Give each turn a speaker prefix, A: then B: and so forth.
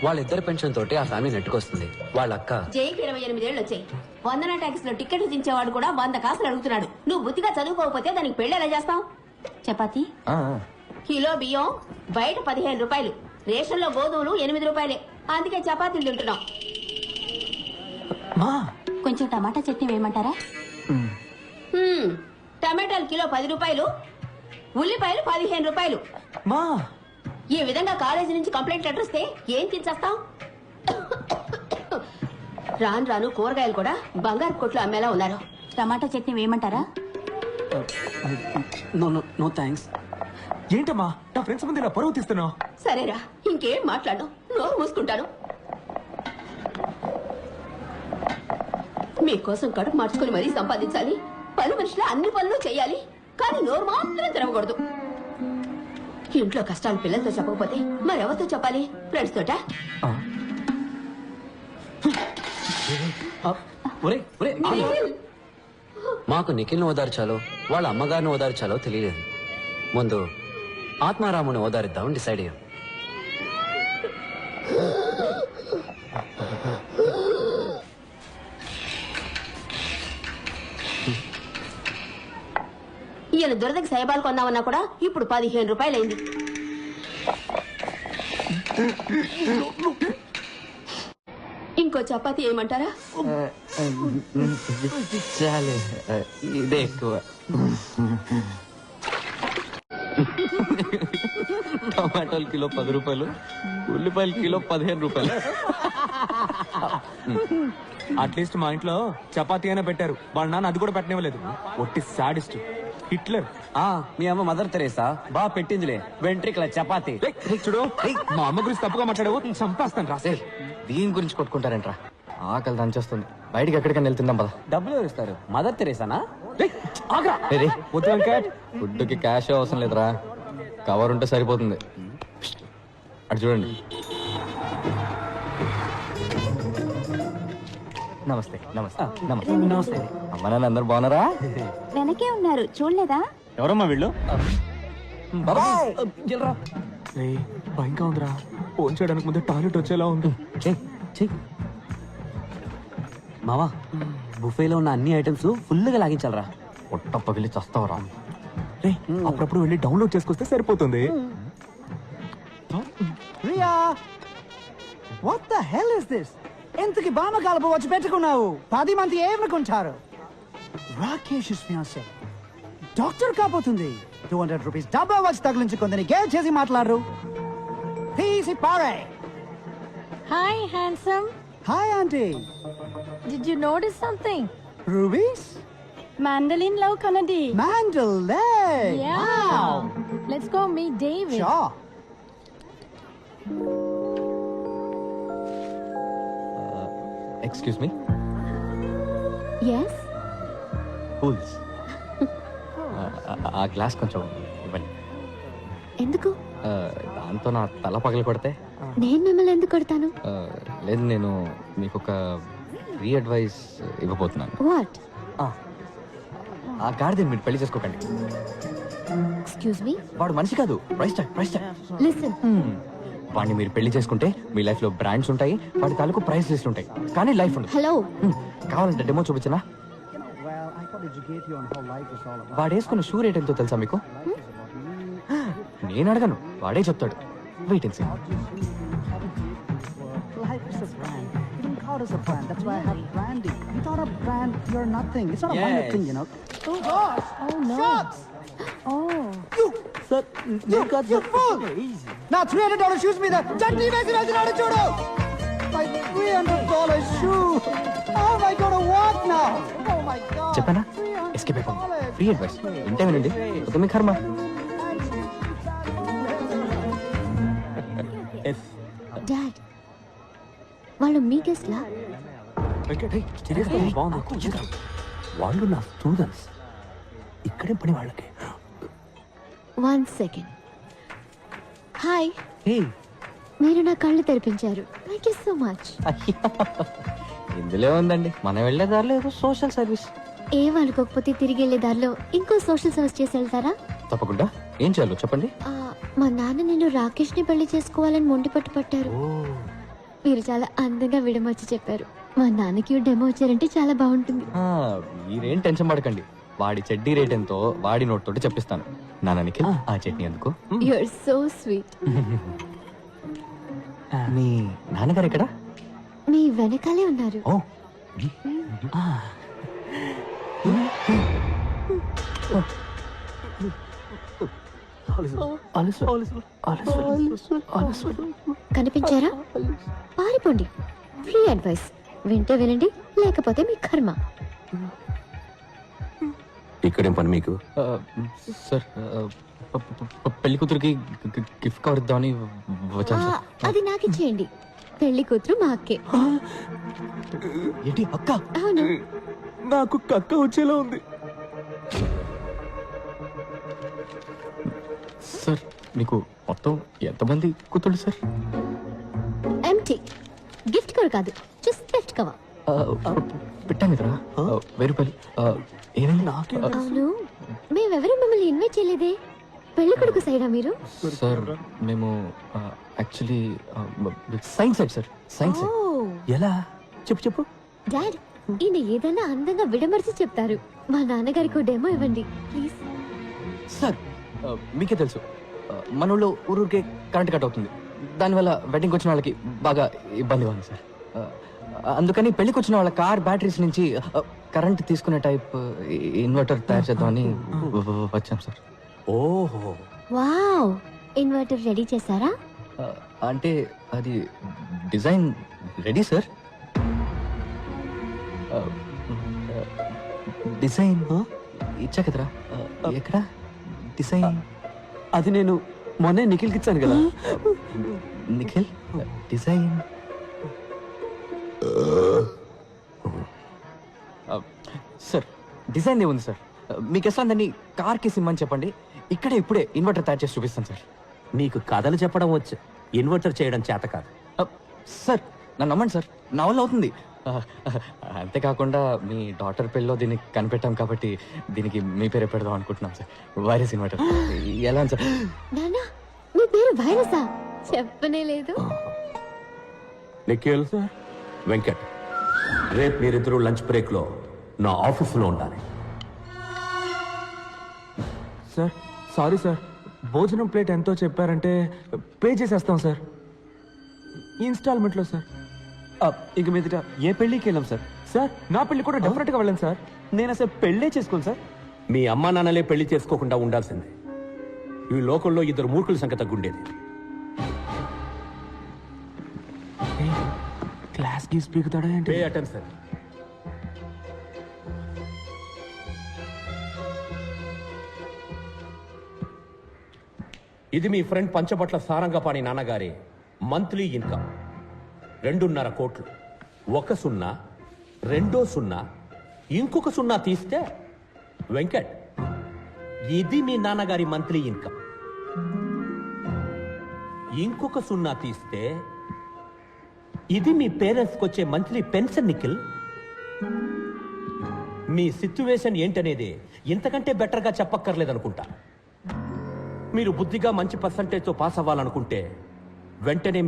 A: వాళ్ళిద్దరి పెన్షన్ తోటి ఆ ఫ్యామిలీ నెట్టుకొస్తుంది. వాళ్ళ అక్క
B: జైకి 28 ఏళ్ళు వచ్చాయి. వందన ట్యాక్స్ లో టికెట్లు దించేవాడు కూడా 100 కాసులు అడుగుతున్నాడు. నువ్వు బుద్ధిగా చదువుకోకపోతే దానికి పెళ్లి ఎలా చేస్తావు? చపాతి కిలో బియ్యం బయట 15 రూపాయలు, రేషన్ లో గోధుమలు 8 రూపాయలే. అందుకే చపాతీలు తింటున్నాం. కొంచెం టమాటా చట్నీ వేయమంటారా? టమాటాలు కిలో 10 రూపాయలు, ఉల్లిపాయలు 15 రూపాయలు. ఈ విధంగా కాలేజీ నుంచి కంప్లైంట్ లెటర్ వస్తే ఏం తినేస్తాం? రాను రాను కూరగాయలు కూడా బంగారు కొట్లు అమ్మేలా ఉన్నారు. టమాటా చట్నీ వేయమంటారా?
C: No thanks. ఏంటమ్మా నా ఫ్రెండ్స్ ముందు ఇలా పరువు తీస్తున్నావు?
B: సరేరా, ఇంకేం మాట్లాడు, నోరు మూసుకుంటాను. మీకోసం కడుపు మార్చుకుని మరీ సంపాదించాలి, పని మనుషులు అన్ని పనులు చేయాలి, కానీ నోరు మాత్రం తెరవకూడదు. ఇంట్లో కష్టాలు పిల్లలతో చెప్పకపోతే మరెవరితో చెప్పాలి? ఫ్రెండ్స్ తోట?
A: మాకు నిఖిల్ని ఓదార్చాలో వాళ్ళ అమ్మగారిని ఓదార్చాలో తెలియలేదు. ముందు ఆత్మారాముని ఓదారిద్దామని డిసైడ్ అయ్యాం.
B: ఈయన దురదకి సైబాలు కొందామన్నా కూడా ఇప్పుడు 15 రూపాయలైంది. ఇంకో చపాతీ ఏమంటారా?
D: చాలే, ఇదే ఎక్కువ. టమాటాలు కిలో 10 రూపాయలు, ఉల్లిపాయలు కిలో 15 రూపాయలు.
C: అట్లీస్ట్ మా ఇంట్లో చపాతీ అయినా పెట్టారు, వాళ్ళ నాన్న అది కూడా పెట్టనివ్వలేదు. ఒట్టి సాడిస్ట్ హిట్లర్.
D: మీ అమ్మ మదర్ తెరేసా బాగా పెట్టిందిలే వెంట్రికల చపాతీ.
C: చూడు, మా అమ్మ గురించి తప్పుగా మాట్లాడావు, చంపేస్తాను రాసే.
D: దీని గురించి కొట్టుకుంటారంట్రా. ఆకలి దంచేస్తుంది, బయటికి ఎక్కడికైనా వెళ్తుందాం పద.
A: డబ్బులు ఎవరిస్తారు? మదర్ తెరేసానా?
D: ఫుడ్ కి క్యాష్ అవసరం లేదురా, కవర్ ఉంటే సరిపోతుంది. అటు చూడండి. నమస్తే నమస్తే నమస్తే నమస్తే. అమ్మ నాన్న అందరు బాగున్నారా?
B: వెనకే ఉన్నారు, చూడలేదా?
D: ఎవరమ్మా వీళ్ళు?
C: భయంగా ఉందిరా, ఫోన్ చేయడానికి ముందే టాయిలెట్ వచ్చేలా ఉంది.
A: మావా, బుఫేలో ఉన్న అన్ని ఐటమ్స్ ఫుల్ గా లాగించాలరా.
D: పొట్ట పగిలి చస్తావరా.
C: అప్పుడప్పుడు వెళ్ళి డౌన్లోడ్ చేసుకొస్తే సరిపోతుంది.
E: Riya, what the hell is this? ఎంతకి బామ కలుపు వచ్చి పెట్టుకున్నావు? 10 మంది ఏమనుకుంటారు? రాకేష్ ఫియాన్సే డాక్టర్ కాబోతుంది. 200 రూపీస్ డబ్బా వచ్చి తగిలించుకుందని గేల్ చేసి మాట్లాడరు. తీసి పారే.
F: Hi, handsome.
E: Hi aunty.
F: Did you notice something?
E: Rubies
F: Mandolin Love Kanadi.
E: Mandalay.
F: Yeah.
E: Wow.
F: Let's go meet David.
E: Sure.
D: Excuse me.
F: Yes.
D: Cools. ఆ గ్లాస్ కొంచెం ఇవ్వండి.
F: ఎందుకు?
D: దాంతో నా తల పగలు కొడితే.
F: నేను మిమ్మల్ని ఎందుకు కొడతాను?
D: లేదు, నేను మీకు ఒక ఫ్రీ అడ్వైస్ ఇవ్వబోతున్నాను.
F: What?
D: ఆ గాడిదని మీరు పెళ్లి చేసుకోకండి.
F: Excuse me.
D: వాడు మనిషి కాదు, ప్రైస్ ట్యాగ్.
F: Listen.
D: వాడిని మీరు పెళ్లి చేసుకుంటే మీ లైఫ్ లో బ్రాండ్స్ ఉంటాయి, వాడి తాలూకు ప్రైస్ లిస్ట్ ఉంటాయి, కానీ లైఫ్ ఉండదు.
F: Hello.
D: కావాలంటే డెమో చూపించనా?
E: Well, I thought educate you on how life is all about.
D: వాడు వేసుకున్న షూ రేట్ ఎంతో తెలుసా మీకు? నేను అడగను, వాడే చెప్తాడు. Wait and see.
E: Life is a brand. You don't call us a brand. That's why I have branding. Without a brand, you're nothing. It's not a minor thing, you know. Oh gosh!
F: Oh no.
E: Shots!
F: Oh.
E: You! Sir, you fool! Now $300 shoes మీద చట్నీ వేసి వెళ్తున్నాడు చూడు. My $300 shoe. How am I going to walk now? Oh my God.
D: చెప్పానా? Escape అయిపోయింది. Free advice ఇంటే వినండి, మీ కర్మ.
F: Dad. వాళ్ళు మీ గెస్ట్ లా?
C: వాళ్ళు నా స్టూడెంట్స్, ఇక్కడే పని వాళ్ళకి.
F: 1 second. హాయ్.
C: హే,
F: మీరు నా కళ్ళు తెరిపించారు. Thank you so much.
D: ఇందులో ఉందండి, మనం వెళ్ళే దారిలో ఏదో సోషల్ సర్వీస్.
F: ఏం అనుకోకపోతే తిరిగి వెళ్ళే దారిలో ఇంకో సోషల్ సర్వీస్ చేసి వెళ్తారా?
D: తప్పకుండా. ఏం చేయాలో చెప్పండి.
F: మా నాన్న నేను రాకేష్ ని పెళ్లి చేసుకోవాలని మొండి పట్టు పట్టారు. మీరు చాలా అందంగా విడమర్చి చెప్పారు. మా నాన్నకి డెమో వచ్చారంటే చాలా బాగుంటుంది.
D: మీరేం టెన్షన్ పడకండి. వాడి చెడ్డీ రేట్ ఎంతో వాడి నోట్ తోటి చెప్పిస్తాను. నాన్న నిఖిల్, ఆ చట్నీ ఎందుకు?
F: You are so sweet.
D: మీ నాన్నగారు ఎక్కడ?
F: మీ వెనకాలే ఉన్నారు.
D: ఓ
F: కనిపించారా? పారిపోండి. Free advice. వింటే వినండి, లేకపోతే మీ కర్మ.
G: ఇక్కడేం పని మీకు?
D: సార్, పెళ్లి కూతురికి గిఫ్ట్ కవర్ ఇద్దామని వచ్చాను సార్.
F: అది నాకు ఇచ్చేయండి. పెళ్లి కూతురు మా అక్కే.
D: ఏంటి అక్క?
F: అవును.
C: నాకు కక్క వచ్చేలా ఉంది.
D: సార్, మీకు మొత్తం ఎంతమంది కూతుళ్ళు సార్?
F: ఎంటీ. గిఫ్ట్ కవర్ కాదు, జస్ట్ గిఫ్ట్ కవర్.
D: పెట్టాను కదరా, 1000 రూపాయలు. ఏమైంది?
F: అవును, మేమెవరూ మిమ్మల్ని ఇన్వైట్ చేయలేదే. పెళ్లి కొడుకు సైడా మీరు?
D: సార్, మేము actually science side sir. Science side.
G: ఎలా? చెప్పు.
F: డాడ్, ఈయన ఏదైనా అందంగా విడమర్చి చెప్తారు. మా నాన్నగారికి డెమో ఇవ్వండి ప్లీజ్.
D: సార్, మీకే తెలుసు, మన ఊళ్ళో ఊరికే కరెంట్ కట్ అవుతుంది. దానివల్ల వెడ్డింగ్కి వచ్చిన వాళ్ళకి బాగా ఇబ్బందిగా ఉంది సార్. అందుకని పెళ్లికి వచ్చిన వాళ్ళ కార్ బ్యాటరీస్ నుంచి కరెంట్ తీసుకునే టైప్ ఇన్వర్టర్ తయారు చేద్దామని వచ్చాం సార్.
G: ఓహో,
F: వావ్, ఇన్వర్టర్ రెడీ చేశారా?
D: అంటే అది డిజైన్ రెడీ సార్. డిజైన్ ఇచ్చా కదరా. ఎక్కడ డిజైన్?
A: అది నేను మొన్నే నిఖిల్కి ఇచ్చాను కదా.
D: Nikhil, design sir. డిజైన్ ఏముంది సార్? మీకు ఎట్లా దాన్ని కార్కి సిమ్మని చెప్పండి, ఇక్కడే ఇప్పుడే ఇన్వర్టర్ తయారు చేసి చూపిస్తాను సార్.
G: నీకు కథలు చెప్పడం వచ్చు, ఇన్వర్టర్ చేయడం చేత కాదు.
D: సార్, నన్ను నమ్మండి సార్, నా వల్ల అవుతుంది. అంతేకాకుండా మీ డాటర్ పెళ్ళిలో దీన్ని కనిపెట్టాం కాబట్టి దీనికి మీ పేరే పెడదాం అనుకుంటున్నాం సార్. Virus inverter. ఎలా సార్?
F: నానా, మీ పేరు వైరసా? చెప్పనే లేదు.
G: నిఖిల్, వెంకట్, రేపు మీరిద్దరూ లంచ్ బ్రేక్ లో నా ఆఫీసులో ఉండాలి.
C: సార్, సారీ సార్, భోజనం ప్లేట్ ఎంతో చెప్పారంటే పే చేసేస్తాం సార్, ఇన్స్టాల్మెంట్లో సార్.
A: ఇంక మీదట ఏ పెళ్లికి వెళ్ళాం సార్.
C: సార్, నా పెళ్లి కూడా డెఫినెట్ గా వెళ్ళండి సార్.
A: నేను అసలు పెళ్ళే చేసుకోను సార్.
G: మీ అమ్మా నాన్నలే పెళ్లి చేసుకోకుండా ఉండాల్సిందే. ఈ లోకంలో 2 మూర్ఖుల సంఖ్య తగ్గుండేది.
C: క్లాస్ గీస్ పీకుతాడా ఏంటి?
G: Pay attention. ఇది మీ ఫ్రెండ్ పంచబట్ల సారంగపాణి నాన్నగారి మంత్లీ ఇన్కమ్ 2.5 కోట్లు. 1 సున్నా, 2 సున్నా, ఇంకొక సున్నా తీస్తే వెంకట్, ఇది మీ నాన్నగారి మంత్లీ ఇన్కమ్. ఇంకొక సున్నా తీస్తే ఇది మీ పేరెంట్స్కి వచ్చే మంత్లీ పెన్షన్. నిఖిల్, మీ సిచ్యువేషన్ ఏంటనేది ఇంతకంటే బెటర్గా చెప్పక్కర్లేదనుకుంటా. మీరు బుద్ధిగా మంచి పర్సంటేజ్తో పాస్ అవ్వాలనుకుంటే వెంటనే